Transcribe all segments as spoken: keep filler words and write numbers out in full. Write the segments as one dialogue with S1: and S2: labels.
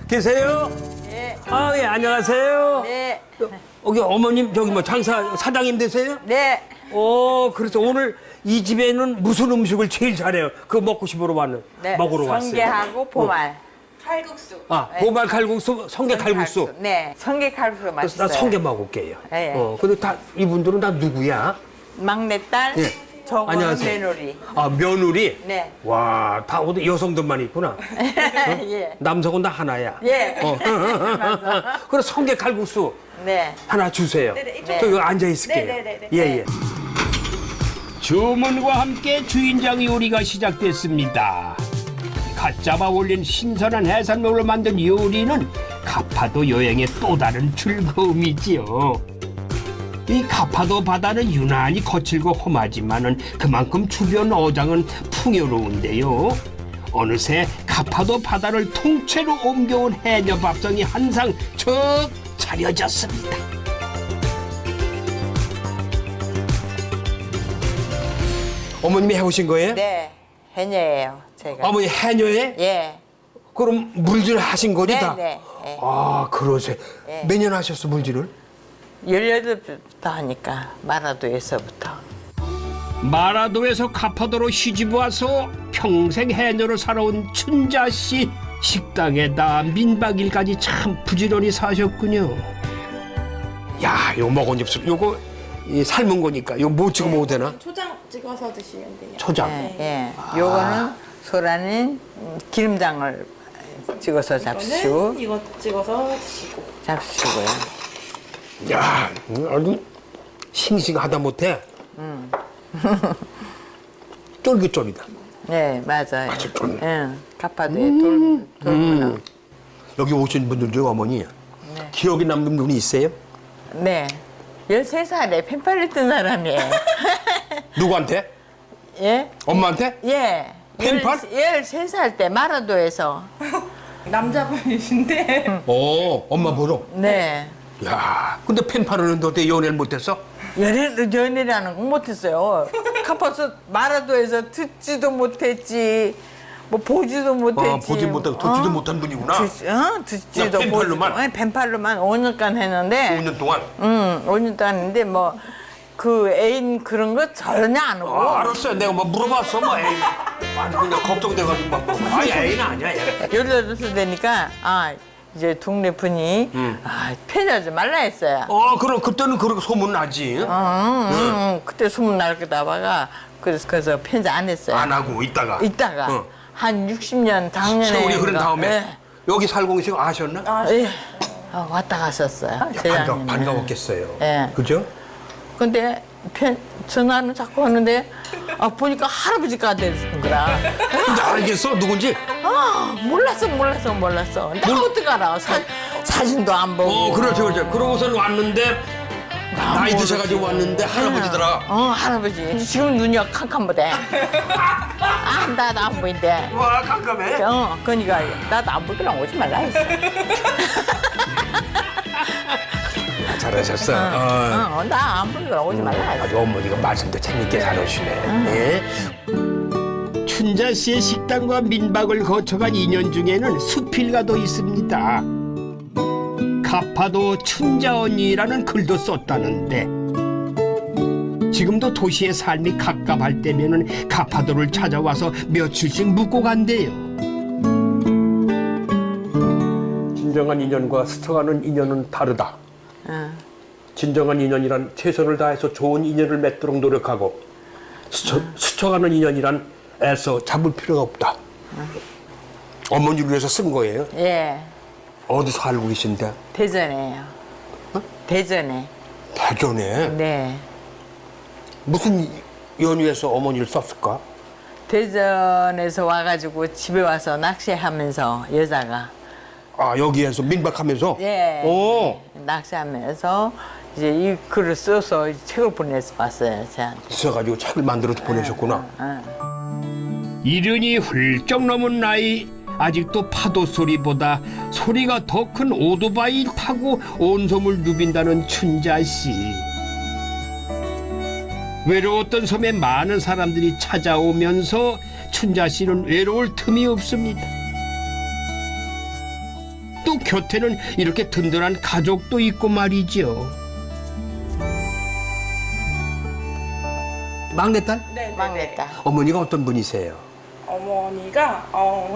S1: 계세요?
S2: 네.
S1: 아, 예, 안녕하세요.
S2: 네.
S1: 여기 어머님, 저기 뭐 장사, 사장님 되세요?
S2: 네.
S1: 어, 그래서 오늘 이 집에는 무슨 음식을 제일 잘해요? 그거 먹고 싶으러 왔는,
S2: 네.
S1: 먹으러 왔어요.
S2: 성게하고 보말.
S3: 칼국수.
S1: 아, 보말 칼국수, 성게 칼국수.
S2: 네. 성게 칼국수
S1: 그래서
S2: 맛있어요.
S1: 나 성게 먹을게요.
S2: 예, 예.
S1: 어, 근데 다, 이분들은 다 누구야?
S2: 막내딸.
S1: 예.
S2: 저거는
S1: 안녕하세요.
S2: 며느리.
S1: 아, 며느리?
S2: 네.
S1: 와, 다 어디 여성들만 있구나.
S2: 예.
S1: 남성은 다 하나야.
S2: 예.
S1: 어.
S2: 맞아.
S1: 그래, 성게 칼국수
S2: 네.
S1: 하나 주세요.
S3: 네네,
S2: 네.
S1: 저 여기 앉아 있을게요.
S3: 네네네네.
S1: 예, 예.
S4: 주문과 함께 주인장 요리가 시작됐습니다. 갓 잡아 올린 신선한 해산물로 만든 요리는 가파도 여행의 또 다른 즐거움이지요. 이 가파도 바다는 유난히 거칠고 험하지만은 그만큼 주변 어장은 풍요로운데요. 어느새 가파도 바다를 통째로 옮겨온 해녀 밥상이 한상 척 차려졌습니다.
S1: 어머님이 해오신 거예요?
S2: 네. 해녀예요. 제가.
S1: 어머니 해녀에?
S2: 예.
S1: 그럼 물질 하신 거지
S2: 네,
S1: 다?
S2: 네. 예.
S1: 아, 그러세요.
S2: 네.
S1: 몇 년 하셨어, 물질을?
S2: 열여덟부터 하니까 마라도에서부터.
S4: 마라도에서 가파도로 시집 와서 평생 해녀로 살아온 춘자 씨. 식당에다 민박일까지 참 부지런히 사셨군요.
S1: 야, 이거 먹은 입술. 요거 이 삶은 거니까. 이거 뭐 찍어 먹어도 되나?
S3: 초장 찍어서 드시면 돼요.
S1: 초장.
S2: 예. 예. 요거는 소라는 기름장을 찍어서 잡수시고
S3: 이거는 이거 찍어서 드시고.
S2: 잡수시고요.
S1: 야, 아주 싱싱하다 못해.
S2: 음.
S1: 쫄깃쫄깃다.
S2: 네, 맞아요.
S1: 아주 좀.
S2: 예. 가파도에 돌, 돌문어.
S1: 여기 오신 분들 중 어머니
S2: 네.
S1: 기억에 남는 분이 있어요?
S2: 네. 열세 살에 펜팔을 뜬 사람이에요.
S1: 누구한테?
S2: 예?
S1: 엄마한테?
S2: 예.
S1: 펜팔?
S2: 열세 살 때 마라도에서.
S3: 남자분이신데
S1: 어, 엄마 보러.
S2: 네.
S1: 야, 근데 펜팔은 어때 연애를 못했어?
S2: 연애, 연애라는 건 못했어요. 가파도 마라도에서 듣지도 못했지, 뭐 보지도 못했지.
S1: 아, 보지 못하고 듣지도 못한 분이구나.
S2: 듣, 어? 듣지도
S1: 그냥 펜팔로만?
S2: 보지도. 네, 펜팔로만 오 년간 했는데.
S1: 오 년 동안.
S2: 응, 오 년 동안 했는데 뭐 그 애인 그런 거 전혀 안 오고.
S1: 아, 알았어요. 내가 뭐 물어봤어, 뭐 애인. 아니 그냥 걱정돼가지고 막 물어봐. 아니 애인 아니야, 얘.
S2: 열여덟 살 되니까 아 이제 동네 분이 아 편하지 말라 했어요.
S1: 어, 그럼 그때는 그렇게 소문 나지.
S2: 응, 응, 응. 그때 소문 날 거다봐가 그래서 그래서 편지 안 했어요.
S1: 안 하고 있다가.
S2: 있다가
S1: 어.
S2: 한 육십 년 작년에
S1: 세월이 흐른
S2: 인가,
S1: 다음에
S2: 예.
S1: 여기 살공식 아셨나?
S2: 예. 아, 왔다 갔었어요.
S1: 반가,
S2: 재작년에.
S1: 반가웠겠어요.
S2: 예.
S1: 그죠?
S2: 근데 편, 전화는 자꾸 하는데 아, 보니까 할아버지가 되는 거라.
S1: 근데 알겠어? 누군지?
S2: 아, 몰랐어, 몰랐어, 몰랐어. 내가 어떻게 알아? 사, 사진도 안 보고.
S1: 어, 그렇죠, 그렇죠. 그러고선 왔는데, 나이 드셔가지고 왔는데 할아버지더라.
S2: 어, 할아버지. 지금 눈이 캄캄보대. 아, 나도 안 보인대.
S1: 와, 깜깜해.
S2: 어, 그러니까 나도 안 보이랑 오지 말라 했어.
S1: 잘하셨어. 어.
S2: 어, 나 안 보이랑 오지 말라 했어.
S1: 아주 어머니가 말씀도 재밌게 잘하시네. 예?
S4: 춘자 씨의 식당과 민박을 거쳐간 인연 중에는 수필가도 있습니다. 가파도 춘자 언니라는 글도 썼다는데 지금도 도시의 삶이 갑갑할 때면은 가파도를 찾아와서 며칠씩 묵고 간대요.
S1: 진정한 인연과 스쳐가는 인연은 다르다.
S2: 응.
S1: 진정한 인연이란 최선을 다해서 좋은 인연을 맺도록 노력하고 스쳐, 스쳐가는 인연이란 애써 잡을 필요가 없다. 어머니를 위해서 쓴 거예요.
S2: 예,
S1: 어디서 알고 계신데?
S2: 대전에요. 대전에.
S1: 대전에
S2: 네.
S1: 무슨 연유에서 어머니를 썼을까?
S2: 대전에서 와가지고 집에 와서 낚시하면서 여자가
S1: 아, 여기에서 민박하면서?
S2: 예
S1: 오.
S2: 낚시하면서 이제 이 글을 써서 책을 보내서 봤어요 저한테.
S1: 있어가지고 책을 만들어서 보내셨구나.
S4: 이른이 훌쩍 넘은 나이 아직도 파도 소리보다 소리가 더 큰 오토바이 타고 온섬을 누빈다는 춘자 씨. 외로웠던 섬에 많은 사람들이 찾아오면서 춘자 씨는 외로울 틈이 없습니다. 또 곁에는 이렇게 든든한 가족도 있고 말이죠.
S1: 막내딸?
S3: 네,
S2: 막내딸.
S1: 어머니가 어떤 분이세요?
S3: 어머니가 어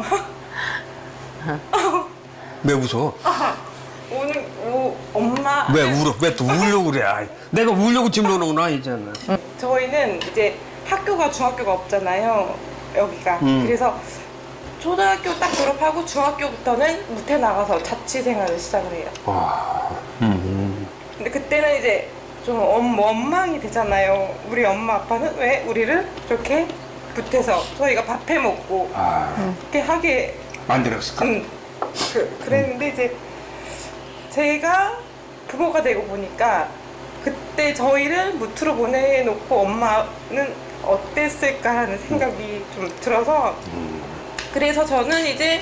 S1: 왜 웃어?
S3: 오늘 오, 엄마
S1: 왜 울어? 왜 또 울려고 그래? 아이, 내가 울려고 지금 노는구나 이제는.
S3: 저희는 이제 학교가 중학교가 없잖아요. 여기가.
S1: 음.
S3: 그래서 초등학교 딱 졸업하고 중학교부터는 무태 나가서 자취 생활을 시작을 해요.
S1: 와, 음,
S3: 근데 그때는 이제 좀 엄, 원망이 되잖아요. 우리 엄마 아빠는 왜 우리를 이렇게 붙여서 저희가 밥해 먹고
S1: 아,
S3: 이렇게 하게
S1: 만들었을까?
S3: 음, 그, 그랬는데 이제 제가 부모가 되고 보니까 그때 저희를 무트로 보내놓고 엄마는 어땠을까 하는 생각이 좀 들어서 그래서 저는 이제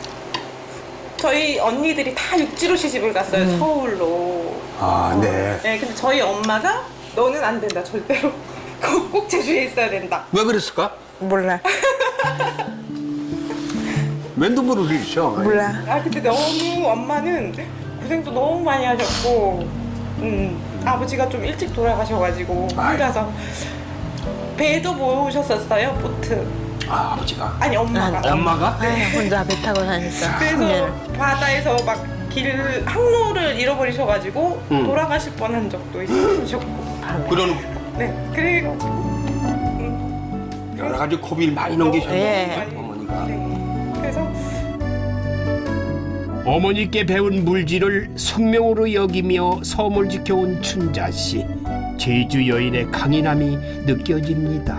S3: 저희 언니들이 다 육지로 시집을 갔어요. 서울로.
S1: 아, 네.
S3: 네, 근데 저희 엄마가 너는 안 된다 절대로 꼭, 꼭 제주에 있어야 된다.
S1: 왜 그랬을까?
S2: 몰라.
S1: 왜 눈물을 흘리셔?
S2: 몰라.
S3: 아 근데 너무 엄마는 고생도 너무 많이 하셨고 음, 아버지가 좀 일찍 돌아가셔가지고 혼자서 배도 모으셨었어요 보트.
S1: 아, 아버지가.
S3: 아니 엄마가.
S2: 아,
S1: 엄마가?
S2: 아유, 혼자 배 타고 다니까.
S3: 그래서 바다에서 막 길 항로를 잃어버리셔가지고
S1: 음.
S3: 돌아가실 뻔한 적도 있으셨고.
S1: 그런
S3: 네 그래가지고
S1: 여러 가지 고비를 많이 넘기셨네.
S2: 예.
S1: 어머니가.
S3: 네 그래서
S4: 어머니께 배운 물질을 숙명으로 여기며 섬을 지켜온 춘자 씨. 제주 여인의 강인함이 느껴집니다.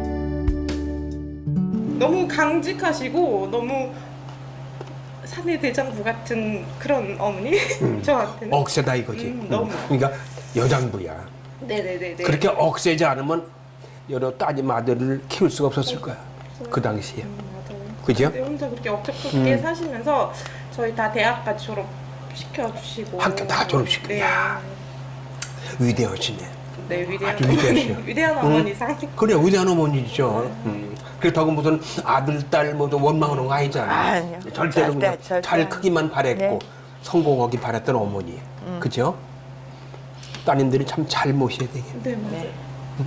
S3: 너무 강직하시고 너무 사내 대장부 같은 그런 어머니 저한테는.
S1: 억세다 이거지.
S3: 음, 너무.
S1: 그러니까 여장부야.
S3: 네네네네.
S1: 그렇게 억세지 않으면 여러 따님 아들을 키울 수가 없었을 거야. 그 당시에.
S3: 맞아요.
S1: 그죠?
S3: 근데 혼자 그렇게 억척스럽게 사시면서 저희 다 대학까지 졸업시켜주시고
S1: 학교 다 졸업시켜.
S3: 네.
S1: 야. 위대하시네.
S3: 네 위대한
S1: 아주 위대하시요.
S3: 위대한 어머니상.
S1: 그래 위대한 어머니죠. 음. 그렇다고 무슨 아들 딸 모두 원망하는 거 아니잖아.
S2: 아니요.
S1: 절대로
S2: 절대,
S1: 그냥
S2: 절대.
S1: 잘 크기만 바랬고
S2: 네.
S1: 성공하기 바랬던 어머니. 그죠? 따님들이 참 잘 모셔야 되겠네.
S3: 네 맞아요.
S2: 네.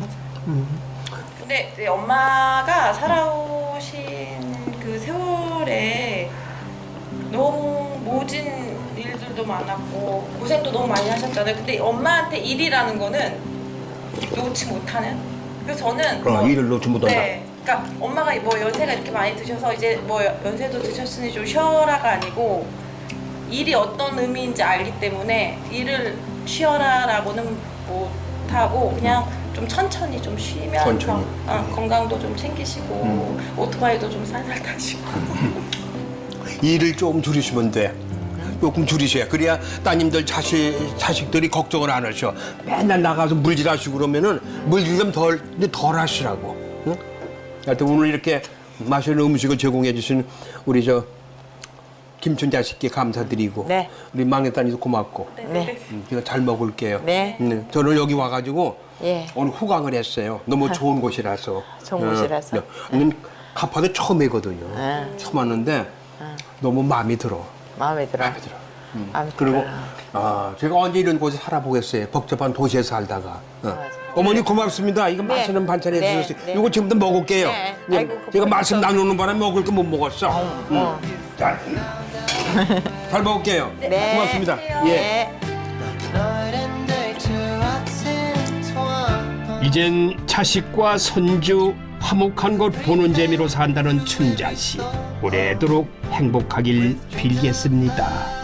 S3: 근데 이제 엄마가 살아오신 그 세월에 너무 모진 일들도 많았고 고생도 너무 많이 하셨잖아요. 근데 엄마한테 일이라는 거는 놓지 못하는. 그래서 저는
S1: 어,
S3: 뭐-
S1: 일을 놓지 못한다.
S3: 네. 그러니까 엄마가 뭐 연세가 이렇게 많이 드셔서 이제 뭐 연세도 드셨으니 좀 쉬어라가 아니고 일이 어떤 의미인지 알기 때문에 일을 쉬어라라고는 못하고 그냥 좀 천천히 좀 쉬면서
S1: 천천히.
S3: 어, 건강도 좀 챙기시고 오토바이도 좀 살살 타시고
S1: 일을 조금 줄이시면 돼. 조금 줄이셔야. 그래야 따님들 자식, 자식들이 걱정을 안 하셔. 맨날 나가서 물질하시고 그러면은 물질 좀 덜, 근데 덜 하시라고. 응? 하여튼 오늘 이렇게 맛있는 음식을 제공해 주신 우리 저 김춘자 씨께 감사드리고.
S2: 네.
S1: 우리 막내딸이도 고맙고.
S2: 네.
S1: 음, 제가 잘 먹을게요.
S2: 네.
S1: 음, 저는 여기 와가지고
S2: 예.
S1: 오늘 후광을 했어요. 너무 좋은 곳이라서.
S2: 좋은 곳이라서.
S1: 네. 저는 가파도 처음이거든요.
S2: 네.
S1: 처음 왔는데 너무 마음이 들어.
S2: 마음에 들어.
S1: 마음에 들어. 음.
S2: 마음에
S1: 그리고
S2: 들어요.
S1: 아, 제가 언제 이런 곳에 살아보겠어요. 복잡한 도시에 살다가. 어.
S2: 맞아.
S1: 어머니 고맙습니다. 이거
S2: 네.
S1: 맛있는 반찬
S2: 네.
S1: 해주셨어요.
S2: 네.
S1: 이거 지금도 먹을게요.
S2: 네.
S1: 예,
S2: 아이고,
S1: 제가
S2: 고맙습니다.
S1: 말씀 나누는 바람에 먹을 거 못 먹었어. 음.
S2: 어.
S1: 자, 잘 먹을게요.
S2: 네.
S1: 고맙습니다. 예.
S2: 네.
S4: 이젠 자식과 손주 화목한 것 보는 재미로 산다는 춘자 씨. 오래도록 행복하길 빌겠습니다.